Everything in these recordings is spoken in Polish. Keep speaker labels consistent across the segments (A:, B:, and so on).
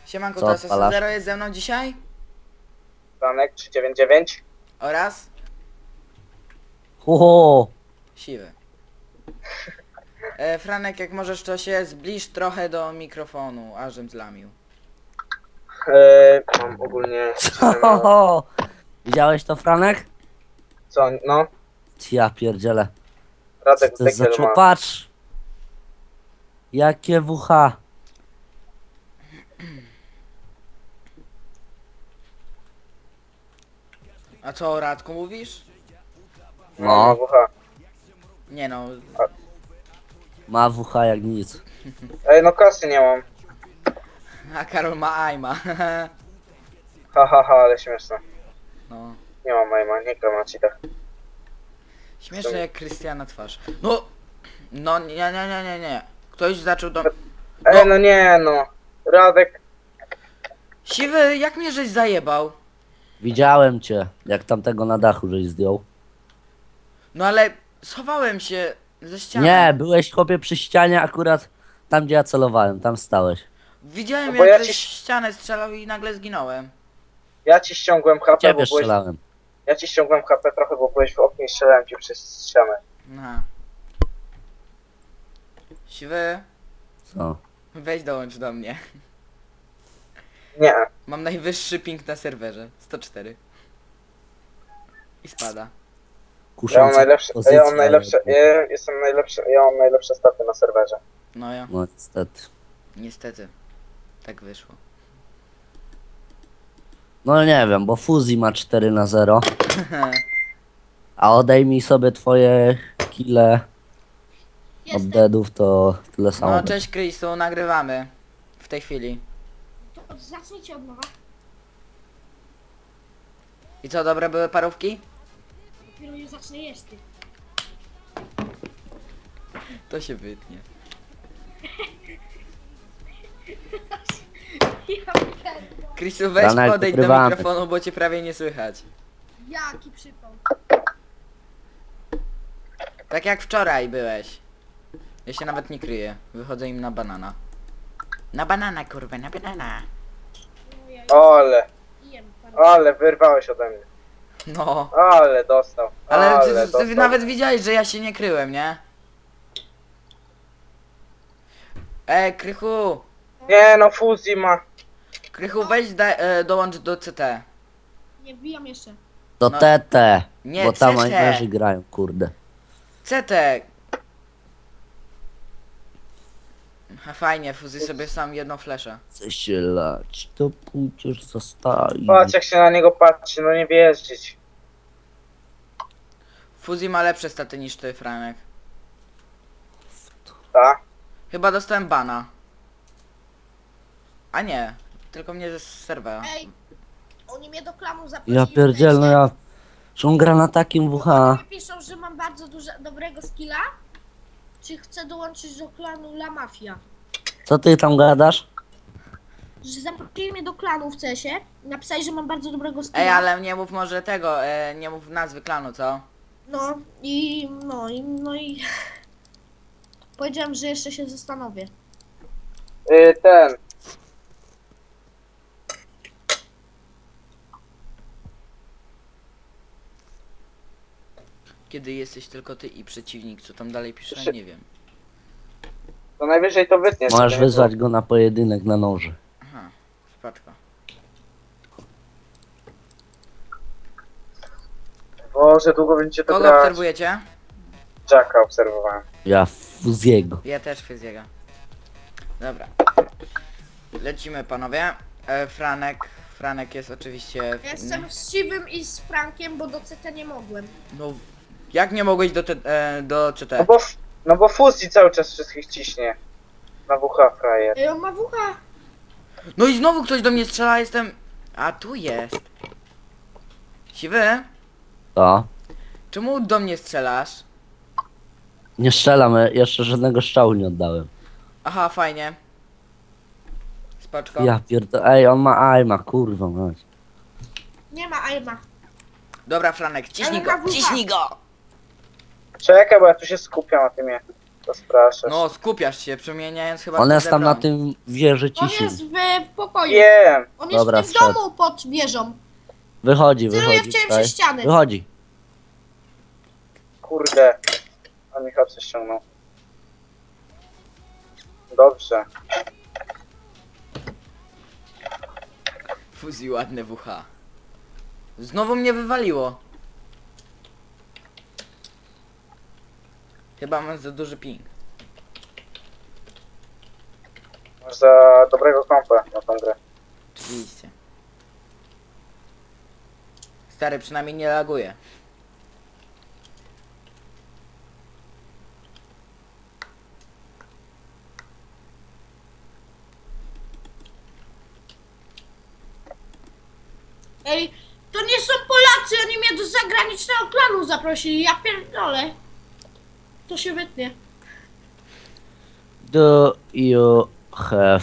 A: Siemanko,
B: Co
A: to
B: odpalasz?
A: Zero jest ze mną dzisiaj
C: Franek 399.
A: oraz
B: Ho,
A: Siwy. Franek, jak możesz, to się zbliż trochę do mikrofonu, ażem zlamił.
C: Mam ogólnie...
B: ho, ho. Widziałeś to, Franek?
C: Co, no?
B: Ja pierdzielę. Co
C: Radek
B: to jest za
C: Dekiel ma.
B: Patrz! Jakie WH.
A: A co o Radku mówisz?
B: No,
C: WH.
A: Nie no,
B: ma WH jak nic.
C: Ej, no kasy nie mam.
A: a Karol ma aima.
C: Ha, ha, ha, ale śmieszne.
A: No,
C: Nie mam majma, nie gram na cheatach.
A: śmieszne jak Krystiana twarz. No, nie. Ktoś zaczął do...
C: Ej, no nie, no. Radek...
A: Siwy, jak mnie żeś zajebał?
B: Widziałem cię, jak tamtego na dachu żeś zdjął.
A: No ale schowałem się ze ściany.
B: Nie, byłeś chłopie przy ścianie akurat tam, gdzie ja celowałem, tam stałeś.
A: Widziałem,
C: No bo
A: jak
C: ja
A: żeś
C: ci-
A: ścianę strzelał i nagle zginąłem.
C: Ja ci ściągłem HP,
B: Ciebie
C: bo byłeś...
B: strzelałem.
C: Ja ci ściągłem HP trochę, bo byłeś w oknie i strzelałem ci przez ścianę.
A: Aha. Siwy,
B: Co?
A: weź dołącz do mnie.
C: Nie.
A: Mam najwyższy ping na serwerze. 104. I spada.
C: Ja mam
B: Kusząca
C: najlepsze...
B: pozycja,
C: Ja mam najlepsze...
B: ale-
C: Jestem najlepszy... Ja mam najlepsze staty na serwerze.
A: No ja.
B: No niestety.
A: Niestety. Tak wyszło.
B: No nie wiem, bo Fuzji ma 4-0. A odejmij sobie twoje kile od
D: Jestem.
B: deadów, to tyle samo.
A: No cześć Krystu, nagrywamy. W tej chwili.
D: To zacznijcie od nowa.
A: I co, dobre były parówki?
D: Dopiero nie zacznę jeść ty.
A: To się wytnie.
D: Ja pierdolę.
A: Krystu, weź
B: Franek,
A: podejdź do
B: ukrywamy.
A: mikrofonu, bo cię prawie nie słychać.
D: Jaki przypał.
A: Tak jak wczoraj byłeś. Ja się nawet nie kryję. Wychodzę im na banana. Na banana, kurwa, na banana.
D: No ja
C: Ale...
D: jem parę.
C: Ale wyrwałeś ode mnie.
A: No.
C: Ale dostał.
A: Ale ty
C: dostał.
A: nawet widziałeś, że ja się nie kryłem, nie? Krychu!
C: Nie no, Fuzji ma.
A: Krychu, weź dołącz do CT.
D: Nie wbijam jeszcze.
B: Do
A: No.
B: TT,
A: Nie,
B: bo tam
A: CT.
B: ajmerzy grają, kurde.
A: CT! A fajnie, Fuzy sobie sam jedną fleszę.
B: Chce się lać, to pójdziesz zostawi.
C: Patrz jak się na niego patrzy, no nie wjeździć.
A: Fuzy ma lepsze staty niż ty, Franek.
C: Tak?
A: Chyba dostałem bana. A nie, tylko mnie ze serwera.
D: Ej, oni mnie do klamu zaprosili.
B: Ja pierdziel, no ja... Że on gra na takim WH.
D: Oni piszą, że mam bardzo dobrego skilla. Czy chcę dołączyć do klanu La Mafia?
B: Co ty tam gadasz?
D: Że zaprosili mnie do klanu w CS-ie. Napisali, że mam bardzo dobrego skilla.
A: Ej, ale nie mów może tego, nie mów nazwy klanu, co?
D: No i... Powiedziałem, że jeszcze się zastanowię.
C: Ten.
A: Kiedy jesteś tylko ty i przeciwnik, co tam dalej pisze, nie wiem.
C: To najwyżej to wytniesz.
B: Możesz
C: żeby nie
B: wyzwać go na pojedynek na noży.
A: Aha, spaczka.
C: było. Boże, długo będziecie to
A: Kogo
C: grać.
A: obserwujecie?
C: Jacka obserwowałem.
B: Ja Fuziego.
A: Ja też Fyziega. Dobra. Lecimy, panowie. Franek jest oczywiście...
D: Ja jestem z Siwym i z Frankiem, bo do CT nie mogłem.
A: No, jak nie mogłeś do CT?
C: No bo Fuzji cały czas wszystkich ciśnie. Na WH frajer.
D: Ej, on ma WH.
A: No i znowu ktoś do mnie strzela, jestem... A, tu jest. Siwy?
B: To.
A: Czemu do mnie strzelasz?
B: Nie strzelam, jeszcze żadnego strzału nie oddałem.
A: Aha, fajnie. Spoczko.
B: Ja pierdolę, ej, on ma aima, kurwa mać.
D: Nie ma aima.
A: Dobra, Franek, ciśnij
D: Ale na
A: go,
D: WH.
A: ciśnij go!
C: Czekaj, bo ja tu się skupiam na tym. Rozpraszasz.
A: No, skupiasz się, przemieniając chyba
B: On
A: w
B: jest tam na
A: broń.
B: tym wieży
D: On
B: ciszy.
D: jest w pokoju.
C: Wiem.
D: On jest
B: Dobra,
D: w tym
B: wszedł.
D: domu pod wieżą.
B: Wychodzi,
D: Celuję
B: wychodzi.
D: w ciebie
B: tutaj.
D: przez ściany.
B: Wychodzi.
C: Kurde. On mi hapsy ściągnął. Dobrze.
A: Fuzji ładne WH. Znowu mnie wywaliło. Chyba mam za duży ping.
C: Masz za dobrego kompa na tą grę.
A: Oczywiście. Stary, przynajmniej nie laguje.
D: Ej, to nie są Polacy, oni mnie do zagranicznego klanu zaprosili, ja pierdolę. To się wytnie.
B: Do you have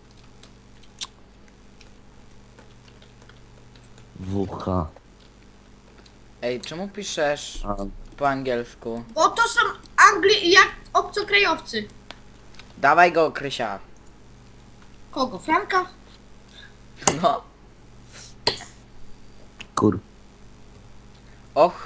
B: WH?
A: Ej, czemu piszesz
B: A,
A: po angielsku?
D: Bo to są jak obcokrajowcy.
A: Dawaj go, Krysia.
D: Kogo? Franka?
A: No.
B: kur...
A: Och,